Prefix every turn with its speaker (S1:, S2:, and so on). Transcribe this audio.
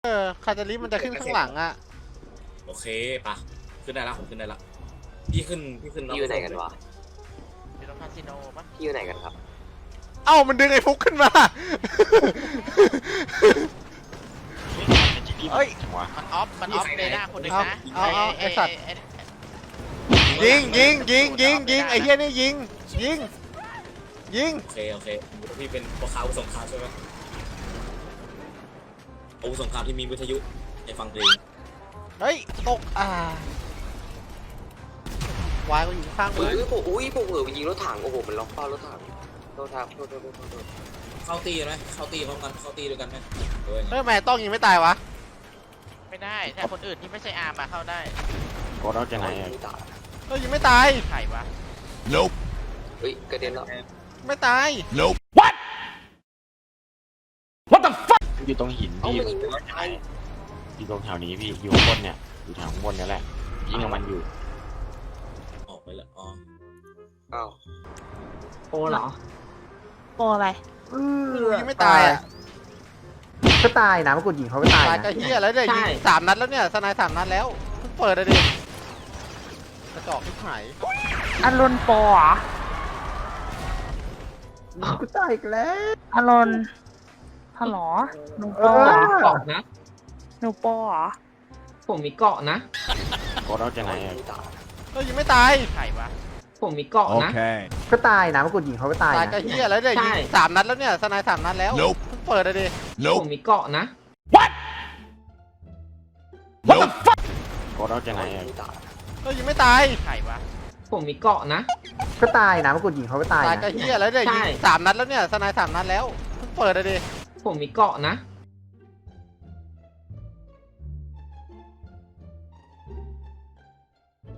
S1: คาตาลิมันจะขึ้นข้างหลังอ่ะ
S2: โอเคปะขึ้นได้ละผมขึ้นได้ละพี่ขึ้น
S3: พี่อยู่ไหนกันวะ
S4: อยู่ตรงคาสิโนปะ
S3: พี่อยู่ไหนกันครับ
S1: เอ้ามันดึงไอ้ฟุกขึ้นมาเอ้ย
S4: มันออฟเดน่าคนหนึ่งนะ
S1: เอาไอ้สัตว์ ยิงไอ้เหี้ยนี่ยิง
S2: โอเคพี่เป็นพวกค้าอาวุธสงครามใช่ไหมอาวุธสงครามที่มีวิทยุให้ฟังเพลง
S1: เฮ้ยตกวายก็อยู่ข้างมือ
S3: ผมเออยิงรถถังโอ้โหมันล็อกเป้ารถถังโทษครับโทษ
S2: เข้าตีไหมเข้าตีพร้อมกันเข้าตีด้วยกันไหมเฮ้ย
S1: ทำไมต้องยิงไม่ตายวะ
S4: ไม่ได้ถ้าคนอื่นที่ไม่ใช่อาร์มมาเข้าได้
S5: โคตรเอาจากไหนอะ
S1: ยิงไม่ตาย
S4: ไข่วะ
S3: เฮ้ยกระเด็นแล้ว
S1: ไม่ตาย
S5: อยู่ตรงหิน
S3: เอ้า
S5: พี่
S3: มันยิงไม่ตาย
S5: อยู่ตรงแถวนี้พี่อยู่ข้างบนเนี่ยอยู่แถวข้างบนนี่แหละยิงกับมันอยู่
S2: ออกไปแล้วอ๋อ
S3: อ้าว
S6: โปเหรอ
S7: โปรอะไร
S1: ยิงไม่ตายอ่ะ
S6: ก็ตายนะเมื่อกูยิงเขาไม่ตาย
S1: ตาย
S6: นะ
S1: ก็เหี้ยแล้วเนี่ยยิง3 นัดแล้วเนี่ยสไนด์3 นัดแล้วเพิ่งเปิดเลยดิกระจอกที่หาย
S7: อารอนโปรเหรอ
S6: กูตายอีกแล้ว
S7: อารอนฮัลโหลหนูโปรเหรอ
S6: เกาะนะ
S7: หนูโปรเหรอ
S6: ผมมีเกาะนะ
S5: โคตรเอาจากไหนอะ
S1: ยิงไม่ตาย
S4: ไข่วะ
S6: ผมมีเกาะนะ ก็ตายนะเมื่อกูยิงเขาไม่ตาย
S1: ตาย
S6: นะ
S1: ก็เหี้ยแล้วเนี่ยยิง3 นัดแล้วเนี่ยสไนด์3 นัดแล้วเพิ่งเปิดเลยดิ
S6: ผมมีเกาะนะ
S5: โคตรเอาจากไหนอะ
S1: ยิงไม่ตาย
S4: ไข่วะ
S6: ผมมีเกาะนะ ก็ตายนะเมื่อกูยิงเขาไม่ตาย
S1: ตาย
S6: นะ
S1: ก็เหี้ยแล้วเนี่ยยิง3 นัดแล้วเนี่ยสไนด์3 นัดแล้วเพิ่งเปิดเลยดิ
S6: ผมมีเกาะนะ